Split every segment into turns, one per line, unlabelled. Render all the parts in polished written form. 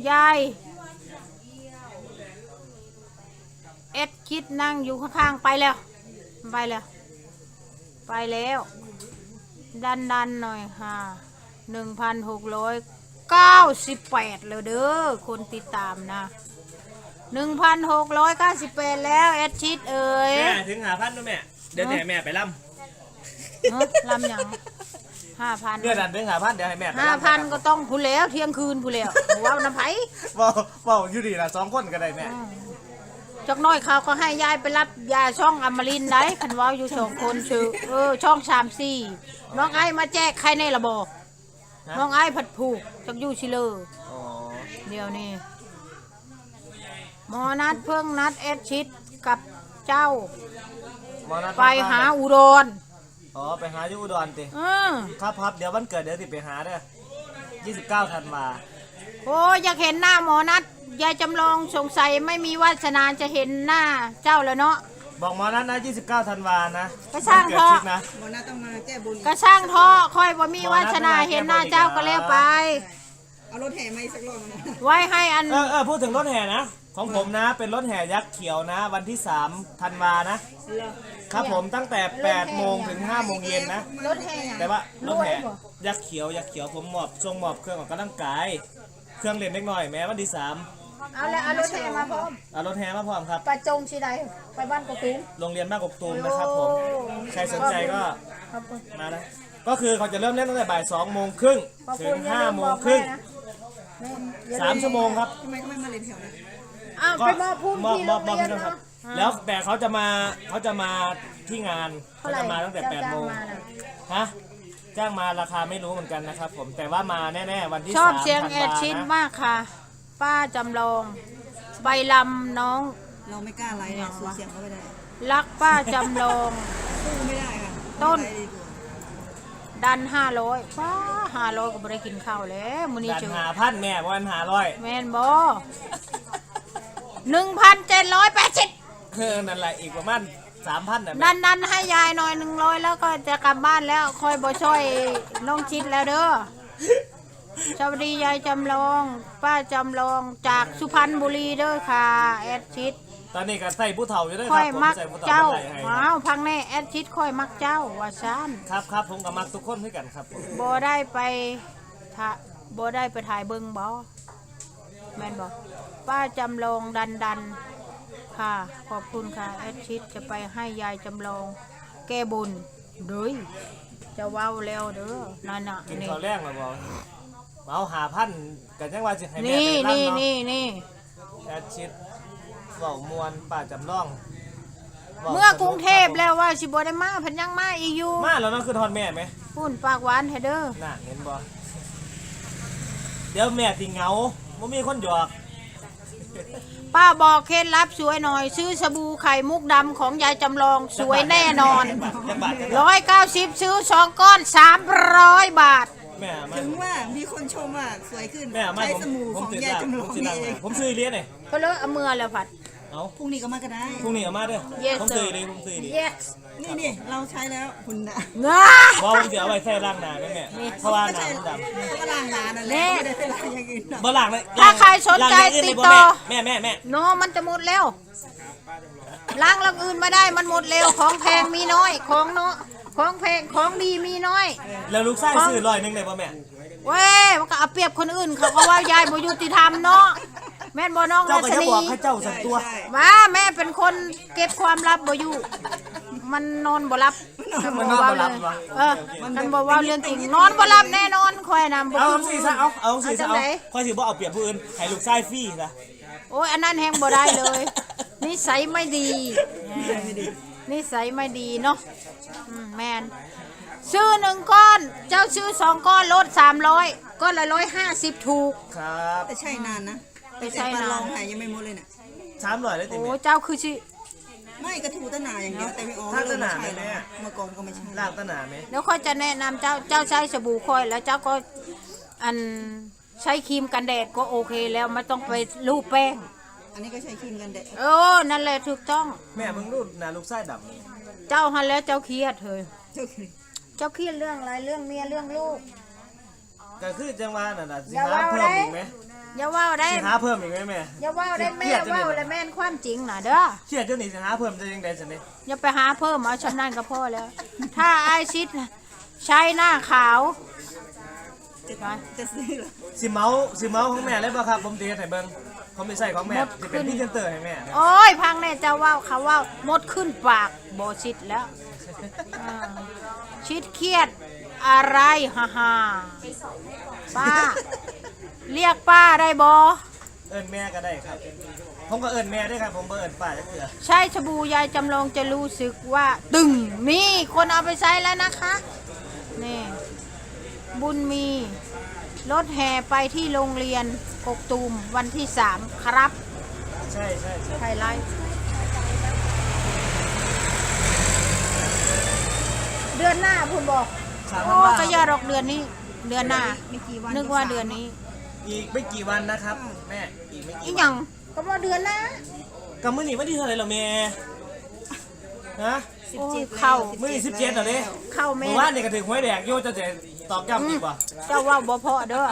ยายเอ็ดคิดนั่งอยู่ข้างๆไปแล้วไปแล้วไปแล้วดันหน่อยค่ะ1,698เลยเด้อคนติดตามนะ1,698แล้วเอ็ดชิดเอ๋ย
แม่ถึง5,000ด้วยแม่เดี๋ยวแม่ไปล่ำ
ลำอย่าง5,000
เดี๋ยวดันถึง5,000เดี๋ยวให้แม่ไป
5,000ก็ต้องพูนแล้วเที่ยงคืนพูนแล้วว้าวน้ำไผ่
ว้าวอยู่ดีละ2คนก็ได้แม่
จักน้อยเขาก็ให้ยายไปรับยาช่องอมรินทร์ได้คันว้าวอยู่2คนชื่อช่อง3-4น้องไอ้มาแจกใครในระบบน้องไอ้ผัดผูกจักอยู่ชิเลอร์เดี๋ยวนี้หมอนัดเพิ่งนัดเอ็ดชิดกับเจ้าไปหาอุดร
ไปหาอยู่อุดรติครับเดี๋ยววันเกิดเดี๋ยวติไปหาเด้อ29 ธันวา
โอ้อยากเห็นหน้าหมอนัดยายจำลองสงสัยไม่มีวาสนาจะเห็นหน้าเจ้าแล้วเนาะ
บอกหมอนัดนะ29 ธันวานะ
ก็ช่างท่อ
หมอนัดต้องมาแก้บุญ
ก็ช่างท่อค่อยบ่มีวาสนาเห็นหน้าเจ้าก็แล้วไป
เอารถแห่มาอีกสักรอบ
ไว้ให้อัน
พูดถึงรถแห่นะของผมนะเป็นรถแห่ยักษ์เขียวนะวันที่3 ธันวานะครับผมตั้งแต่8 โมงถึง5 โมงเย็นนะ
รถแห่
แต่ว่ารถแห่ยักษ์เขียวผมมอบเครื่องออกกำลังกายเครื่องเล่นเล็กน้อยแม้วันที่3
เอาแล้วเอารถแห่มาพร้อม
เอารถแห่มาพร้อมครับ
ไปจงชีใดไปบ้านกกตูม
โรงเรียนบ้านกกตูมนะครับผมใครสนใจก็มานะก็คือเขาจะเริ่มเล่นตั้งแต่บ่าย 2:30 ถึง 5:30 3 ชั่วโมงครับ
ทำไมไม่มาเล่นแถวนั้น
ไปมอบพุ่มที่โรงเรียนเนาะ
แล้วแต่เขาจะมาที่งานเขาจะมาตั้งแต่8 โมงฮะจ้างมาราคาไม่รู้เหมือนกันนะครับผมแต่ว่ามาแน่ๆวันที่3
ชอบเสียงแอดชิดมากค่ะป้าจำลองใบลำน้อง
เราไม่กล้าไลฟ์เนี่ยสู้เสียงเขาไม่ได้
รักป้าจำลอง
สู้ไม่ได้ค่ะ
ต้นดัน500ป้า500ก็ไม่ได้กินข้าวแล้วมื้อนี้
ดัน5,000แม่วัน500
แม่นบ่1,780
นั่นแหละอีกประมาณ 3,000น่ะ
ดันให้ยายหน่อย100แล้วก็จะกลับบ้านแล้วคอยบ่ช่วยน้องชิดแล้วเด้อสวัสดียายจำลองป้าจำลองจากสุพรรณบุรีเด้อค่ะแอดชิด
ตอนนี้ก็ใส่ผู้เฒ่าอยู่ด้วยค
รั
บ
ผมมักเจ้าว้าวพังแน่แอดชิดค่อยมักเจ้าว่าซัน
ครับผมก็มักทุกคนด้วยกันครับ
บ่ได้ไปถ่ายเบิ่งบ่แม่นบ่ป้าจำลองดันค่ะขอบคุณค่ะแอดชิดจะไปให้ยายจำลองแก้บุญเด้ยจะว้าวแล้วเด้อนั่นน่ะ
กินข้าวแรงแล้วบ่เอา5,000กันยังว่าสิให้แม่
ไปรับเนาะนี่
แอดชิดเว้ามวนป้าจำลอง
เมื่อกรุงเทพแล้วว่าสิบ่ได้มาเพิ่นยังมาอีกอยู่
มาแล้วเนาะคือทอดแม่มั้ย
พูนปากหวานแท้เด้อ
น่ะเห็นบ่เดี๋ยวแม่สิเหงาบ่มีคนหยอก
ป้าบอกเคล็ดลับสวยหน่อยซื้อสบู่ไข่มุกดำของยายจำลองสวยแน่นอน190ซื้อ2 ก้อน300 บาท
ถึงว่ามีคนชมว่าสวยขึ้นใช้สบู่ของยายจำลอง
ผมซื้อเลี้ยงนี่
ก็เลยเอามือแล้วผัด
พรุ่งนี้ก็มาก็ได้
พรุ่งนี้ก็มาเด้อผมซื้อเลย
นี่เราใช้แล้วคุณนะ
บอกผมจะเอาไว้ใส่ล้างหน้าแม่เพราะว่าหน้ามันด
ำก็ล้างหน้านั่นแหละไม่ได้ไปล้างอย่างอื่น
บ่ล้างเลย
ถ้าใครสนใจติดต่อ
แม่
โนมันจะหมดแล้วล้างอย่างอื่นไม่ได้มันหมดเร็วของแพงมีน้อยของเนาะของแพงของดีมีน้อย
แล้วลูกชายซื้อ100ได้บ่แม่
เว้ยมันก็เอาเปรียบคนอื่นเขาก็ว่ายายบ่ยุติธรรมเนาะแม่นบ่น้อง
เจ้าก็จะบอกให้เจ้าสักตัว
มาแม่เป็นคนเก็บความลับบ่อยู่มันนอนบ่รับ
มันนอนบ่รับ
มันบ่ว่าเรื่องจริงนอนบ่รับแน่นอนค่อยนำ
เอาสิซะเอาสิซะค่อยสิบ่เอาเปรียบผู้อื่นให้ลูกชายฟรีซะ
โอ้ยอันนั้นแฮงบ่ได้เลยนิสัยไม่ดีนิสัยไม่ดีเนาะแม่นซื้อ1 ก้อนเจ้าซื้อ2 ก้อนลด300ก้อนละ150ถูก
ครับ
แต่ใช่นานนะแต่ใช่นานลองหายยังไม่หมดเลยน่ะ
300ได้ติ
โอ้เจ้าคือสิ
ไม่กระทูตะหนาอย่างเดียวแต่ไม่ออกเลยไม่ใช่เลยเมื่อก่อนก็ไม่ใช่
ลากตะหนามั้ย
แล้วค่อยจะแนะนำเจ้าใช้สบู่ค่อยแล้วเจ้าก็ใช้ครีมกันแดดก็โอเคแล้วไม่ต้องไปลูบแป้ง
อันนี้ก็ใช้ครีมกันแดด
นั่นแหละถูกต้อง
แม่เพิ่งรูดหน้าลูกชายด
ำเจ้าหันแล้วเจ้าเครียดเถอะเจ้าเครียดเรื่องอะไรเรื่องเมียเรื่องลูก
ก็คือจังว่านั่นน่ะสิหาเพิ่มอีกมั้ย
อย่าว่าได้
สิหาเพิ่มอีกไหมแม่
อย่าว่าได้แม่
เครียดจัง
ว่า
เลย
แล้วแม่นความจริงน่ะเด้อ
เครียดจนนี่สิหาเพิ่มจะยังไงสิเนี่ย
อย่าไปหาเพิ่มเอาชำนาญก็พอแล้ว ถ้าไอ้ชิดใช้หน้าขาว
จะซื้อเหรอ
สิเมาของแม่เลยป่ะครับผมตีให้เบิ่งเขาไม่ใช่ของแม่จะเป็นพี่เจนเตอร์ให้แม่
โอ้ยพังแน่เจะว่าเขาว่ามดขึ้นปากโบชิดแล้วอ่าชิดเครียดอะไรฮ่าฮ่าป้า เรียกป้าได้บอ
เอิญแม่ก็ได้ครับ ผมก็เอิญแม่ด้วยครับผมบ่เอิญป้าจะเกลือ
ใช้ชบูยายจำลองจะรู้สึกว่าตึงนี่คนเอาไปใช้แล้วนะคะนี่บุญมีรถแห่ไปที่โรงเรียนกกตูมวันที่ 3 ครับ
ใช่ใช่ใช่
ไฮไลท์เดือนหน้าคุณบอก
สาม
โอ้
วัน
ก็อย่ารอกเดือนนี้ เดือนหน้า
ไม่กี่วัน
นึกว่าเดือนนี้
อีกไม่กี่วันนะครับ แม่อีกไม่
อี
กี่
หยังก็ว่าเดือนหน้า
กำมือหนีวันที่เท่าไหร่เหรอแม่ฮะ
17
โอ้ย
แล้ว
เข้า
มือหนี17เหรอเนี่ย
เข้าแม่
เมื่อวานเนี่ยก็ถึงหวยแดกโยจะตอกย้ำดีกว่า
เจ้าว่าบ่พอเด้อ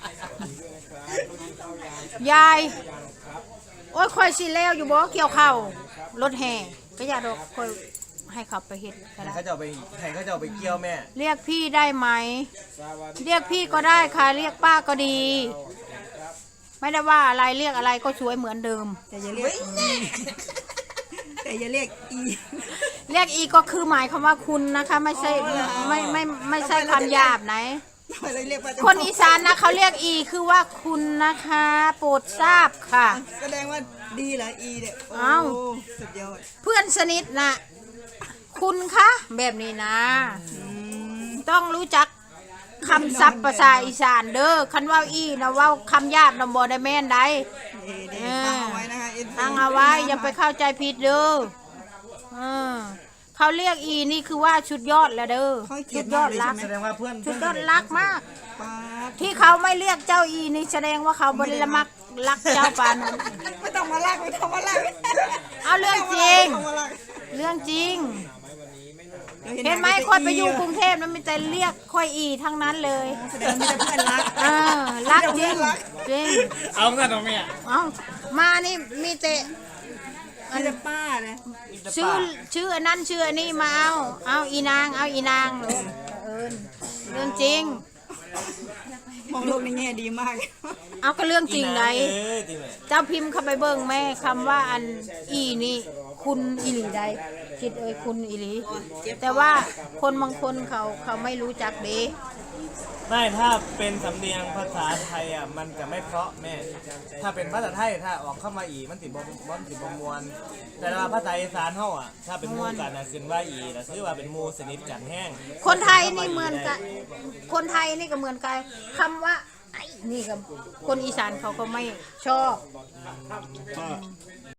ยาย โอ้ยค่อยสิแล้วอยู่บ่เกี่ยวข้าวรถแห่ก็อย่าดอกค่อยให้ขับไปเฮ็ดก็ได้
เขาจะเอาไปให้เขาจะเอาไปเกี่ยวแม่
เรียกพี่ได้ไหม เรียกพี่ก็ได้ค่ะ เรียกป้าก็ดี ไม่ได้ว่าอะไรเรียกอะไรก็สวยเหมือนเดิม
แต่อย่าเรียกแต่อย่าเรียกอี
เรียกอีก็คือหมายคำว่าคุณนะคะ ไม่ใช่ไม่ใช่คำหยาบไหน
เราเรียกว่า
คนอีสานนะเขาเรียกอีคือว่าคุณนะคะ โปรดทราบค่ะ
แสดงว่าดีเหรออีเนี่ยโอ้
เอ้า
สุดยอด
เพื่อนสนิทนะคุณคะแบบนี้นะ ต้องรู้จักคำศัพท์ภาษาอีสานเด้อคันว่าอีนะเว่าคำหยาบนะบ่ได้แม่นใด
เดี๋ยวฟังเอาไว้นะคะ
ตั้งเอาไว้อย่าไปเข้าใจผิดเด้อเออเขาเรียกอีนี่คือว่าชุดยอดแล้วเด้อ
เขาเกลี
ชุ
ย
ด
ด
ย
มา
อก ด
เลย
รั
ใช่
ก
ไหม
แสดงว่าเพื่อน
ชุดยอดรักมาก
ป๊าบ
ที่เขาไม่เรียกเจ้าอีนี่แสดงว่าเขาบริละมักรักเจ้าปานนั้น
ไม่ต้องมาลากไม่ต้องมาลาก
เอาเรื่องจริง
ไม่ต้องมาลาก
เรื่องจริง
ดี๋ยว
เห็นไหมค่อยไปอยู่กรุงเทพนั้นมีแต่เรียกค่อยอีทั้งนั้นเลย
แสดงว่ามีแต่เพื่อนรัก
เออรักจริงจริง
เอาเงินเอาแม่
เอามานี่มีแต่
มีแต่ป้าเลย
ชื่ออันนั้นชื่ออันนี้มาเอาอีนางเอาอีนางเลยเอิญเรื่องจริง
มองโลกในแง่ดีมาก
เอาก็เรื่องจริงไหน
เอ้ยจริงไหม
เจ้าพิมพ์เข้าไปเบิ่งแม่คำว่าอันอีนี่คุณอีหลีใดคิดเอ้ยคุณอีหลีแต่ว่าคนบางคนเขาไม่รู้จักเด้
ไม่ถ้าเป็นสำเนียงภาษาไทยอ่ะมันจะไม่เพราะแม่ ถ้าเป็นภาษาไทยถ้าออกเข้ามาอีมันติบ่มวน แต่ว่าภาษาอีสานเฮาอ่ะถ้าเป็นหมู่กันน่ะขึ้นว่าอีน่ะถือว่าเป็นหมู่สนิทกันแห้ง
คนไทยนี่เหมือนกันคนไทยนี่ก็เหมือนกันคำว่าไอ้นี่กับคนอีสานเขาก็ไม่ชอบ